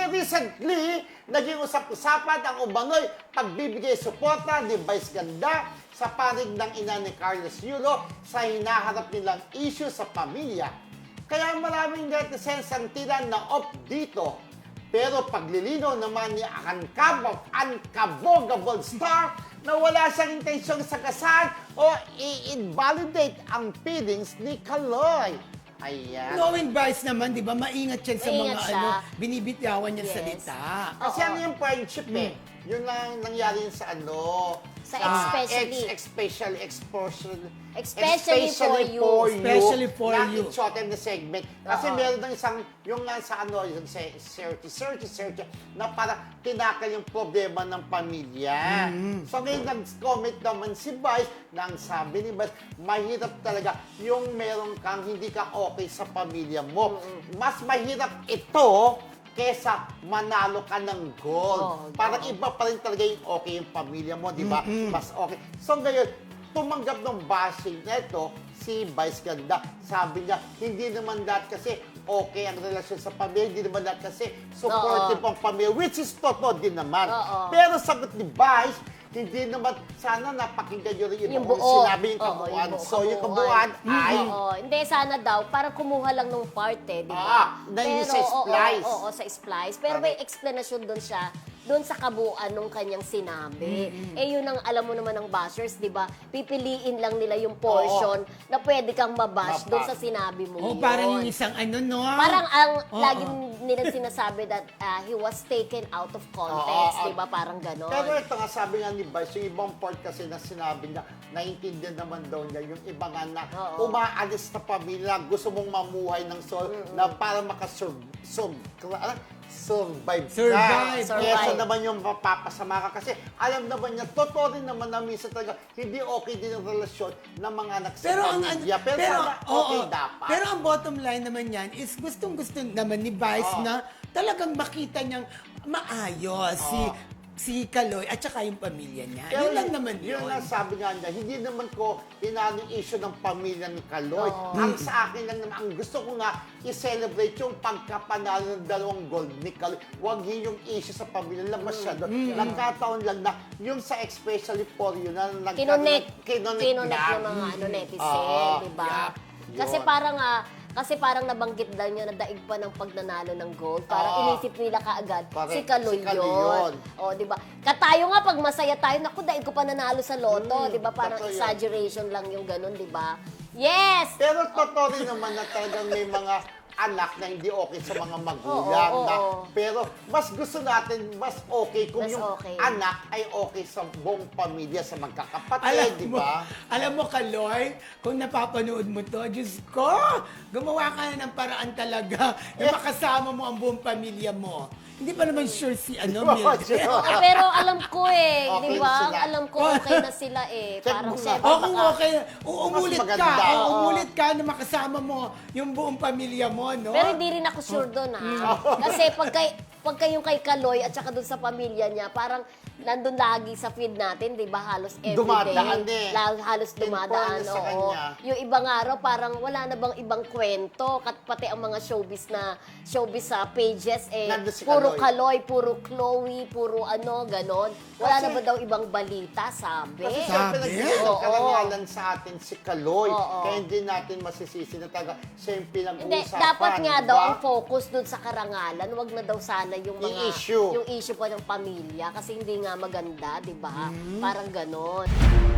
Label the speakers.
Speaker 1: recently, naging usap-usapan ang umano'y pagbibigay suporta ni Vice Ganda sa panig ng ina ni Carlos Yulo sa hinaharap nilang issue sa pamilya. Kaya maraming netizens ang tila na off dito. Pero paglilinaw naman ni Unkabogable Star na wala siyang intensyong sagasan o i-invalidate ang feelings ni Kaloy. Ayan.
Speaker 2: Knowing Vice naman, di ba, maingat yan sa
Speaker 3: Maingat
Speaker 2: mga
Speaker 3: siya.
Speaker 2: binibitawan niyang salita.
Speaker 1: Kasi ano yung friendship Yun lang nangyari yun sa
Speaker 3: Sa especially.
Speaker 1: Especially
Speaker 3: for you.
Speaker 2: Especially for you.
Speaker 1: Natin shorten the segment. Kasi meron ng isang, yung nga sa yung search, na para tinakal yung problema ng pamilya. So ngayon nag-comment naman si Vice, na ang sabi ni Vice, mahirap talaga yung meron kang hindi ka okay sa pamilya mo. Mas mahirap ito kesa manalo ka ng gold. Parang iba pa rin talaga yung okay yung pamilya mo, di ba? Mas okay. So ngayon, tumanggap ng bashing na ito, si Vice Ganda. Sabi niya, hindi naman lahat kasi okay ang relasyon sa pamilya, hindi naman lahat kasi supportive ang pamilya, which is totoo din naman. Pero sagot ni Vice, hindi naman, sana napakinggan nyo rin yung
Speaker 3: buo.
Speaker 1: sinabi yung kabuuan. So yung kabuuan ay...
Speaker 3: Hindi, sana daw, parang kumuha lang nung part di ba?
Speaker 1: Na yung sa splice.
Speaker 3: Oo, sa splice. Pero may explanation doon siya, doon sa kabuuan nung kanyang sinabi. Yun ang alam mo naman ng bashers, di ba? Pipiliin lang nila yung portion na pwede kang mabash doon sa sinabi mo yun.
Speaker 2: Parang yung isang no?
Speaker 3: Parang ang laging nilang sinasabi that he was taken out of context, di ba? Parang ganon.
Speaker 1: Pero ito nga, sabi nga ni Vice, yung ibang part kasi na sinabi niya, naiintindihan naman daw niya, yung iba nga na umaalis na pamilya, gusto mong mamuhay ng soul, na para survive ka. Kesa naman yung mapapasama ka. Kasi alam naman niya, totoo rin naman na minsan talaga, hindi okay din ang relasyon ng mga anak sa pamilya. Pero sana okay dapat.
Speaker 2: Pero ang bottom line naman yan is gustong-gusto naman ni Vice na talagang makita niyang maayos si Kaloy at saka yung pamilya niya.
Speaker 1: Pero
Speaker 2: yun lang naman yun.
Speaker 1: Yun lang sabi nga niya, hindi naman ko inaano yung issue ng pamilya ni Kaloy. Ang sa akin lang naman, ang gusto ko nga i-celebrate yung pagkapanalo ng 2 gold ni Kaloy. Huwag yun yung issue sa pamilya. Labas siya doon. Nagkataon lang na yung sa especially for you na
Speaker 3: Kinonek
Speaker 1: na.
Speaker 3: ng mga netizen, di ba? Kasi parang nabanggit daw niya na daig pa ng pagnanalo ng gold. Parang inisip nila kaagad, si Kaloy yun. O, di ba? Katayo nga, pag masaya tayo, naku, daig ko pa nanalo sa loto. Di ba? Parang exaggeration lang yung ganun, di ba? Yes!
Speaker 1: Pero totoo rin naman na talagang may mga anak na hindi okay sa mga magulang. Pero mas gusto natin, mas okay kung yung anak ay okay sa buong pamilya, sa magkakapatid, di ba?
Speaker 2: Alam mo, Kaloy, kung napapanood mo to, Diyos ko, gumawa ka na ng paraan talaga na makasama mo ang buong pamilya mo. Hindi pa naman sure si Mildred.
Speaker 3: Pero alam ko
Speaker 1: Okay
Speaker 3: di ba?
Speaker 1: sila.
Speaker 3: Alam ko okay na sila Parang
Speaker 2: Kung okay, umulit
Speaker 1: Mas
Speaker 2: ka.
Speaker 1: maganda.
Speaker 2: Umulit ka na makasama mo yung buong pamilya mo, no?
Speaker 3: Pero hindi rin ako sure doon, Kasi pagka yung kay Kaloy at saka doon sa pamilya niya, parang nandun lagi sa feed natin, di ba? Halos everyday.
Speaker 1: Dumadaan
Speaker 3: Halos dumadaan,
Speaker 1: sa kanya.
Speaker 3: Yung ibang araw, parang wala na bang ibang kwento. Pati ang mga showbiz sa pages,
Speaker 1: Nandun si
Speaker 3: puro Kaloy, puro Chloe, puro ganon. Wala na ba daw ibang balita, sabi?
Speaker 1: Kasi siyempre nagsisigil karangalan sa atin si Kaloy. Kaya hindi natin masisisi na talaga siya yung pinag-uusapan.
Speaker 3: Dapat nga daw ang focus dun sa karangalan. Wag na daw sana yung mga
Speaker 1: issue.
Speaker 3: Yung issue pa ng pamilya kasi hindi nga maganda, 'di ba? Parang ganon.